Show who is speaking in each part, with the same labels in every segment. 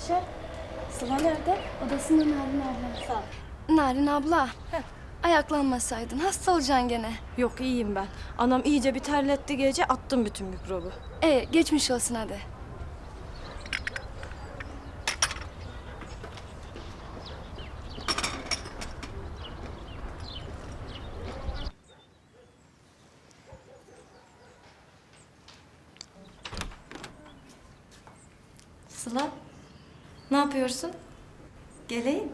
Speaker 1: Ayşe, Sıla nerede?
Speaker 2: Odasında Narin abla.
Speaker 1: Sağ ol.
Speaker 2: Narin abla. Ayaklanmasaydın hasta olacaksın gene.
Speaker 1: Yok iyiyim ben. Anam iyice bir terletti gece, attım bütün mikrobu.
Speaker 2: Geçmiş olsun hadi.
Speaker 1: Sıla, ne yapıyorsun? Geleyim.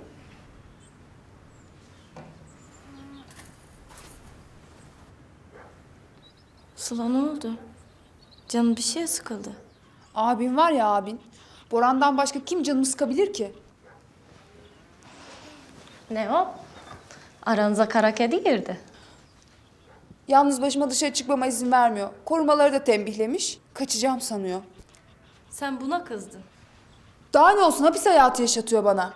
Speaker 1: Sıla ne oldu? Canın bir şeye sıkıldı.
Speaker 3: Abin var ya abin. Boran'dan başka kim canımı sıkabilir ki?
Speaker 1: Ne o? Aranıza kara kedi girdi.
Speaker 3: Yalnız başıma dışarı çıkmama izin vermiyor. Korumaları da tembihlemiş. Kaçacağım sanıyor.
Speaker 1: Sen buna kızdın.
Speaker 3: Daha ne olsun, hapis hayatı yaşatıyor bana.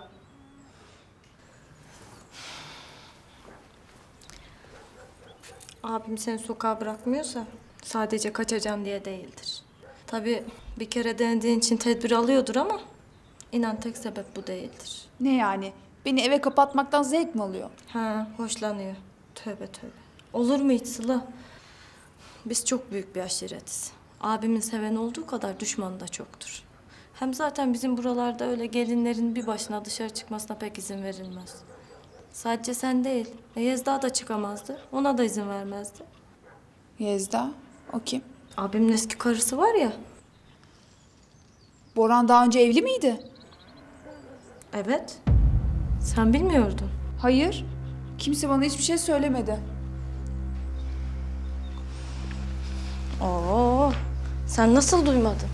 Speaker 1: Abim seni sokağa bırakmıyorsa sadece kaçacağım diye değildir. Tabii bir kere denediğin için tedbir alıyordur ama inan tek sebep bu değildir.
Speaker 3: Ne yani? Beni eve kapatmaktan zevk mi alıyor?
Speaker 1: Ha, hoşlanıyor. Tövbe tövbe. Olur mu hiç Sıla? Biz çok büyük bir aşiretiz. Abimin seven olduğu kadar düşmanı da çoktur. Hem zaten bizim buralarda öyle gelinlerin bir başına dışarı çıkmasına pek izin verilmez. Sadece sen değil, Yezda da çıkamazdı. Ona da izin vermezdi.
Speaker 3: Yezda, o kim?
Speaker 1: Abimin eski karısı var ya.
Speaker 3: Boran daha önce evli miydi?
Speaker 1: Evet. Sen bilmiyordun.
Speaker 3: Hayır. Kimse bana hiçbir şey söylemedi.
Speaker 1: Oo, sen nasıl duymadın?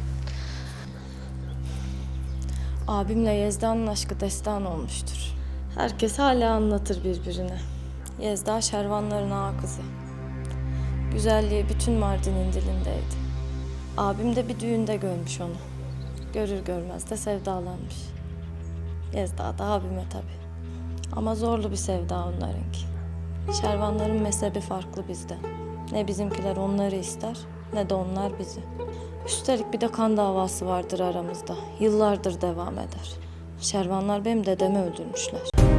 Speaker 1: Abimle Yezda'nın aşkı destan olmuştur. Herkes hala anlatır birbirine. Yezda Şervanların ağa kızı. Güzelliği bütün Mardin'in dilindeydi. Abim de bir düğünde görmüş onu. Görür görmez de sevdalanmış. Yezda da abime tabii. Ama zorlu bir sevda onlarınki. Şervanların mezhebi farklı bizden. Ne bizimkiler onları ister, ne de onlar bizi. Üstelik bir de kan davası vardır aramızda. Yıllardır devam eder. Şervanlar benim dedemi öldürmüşler.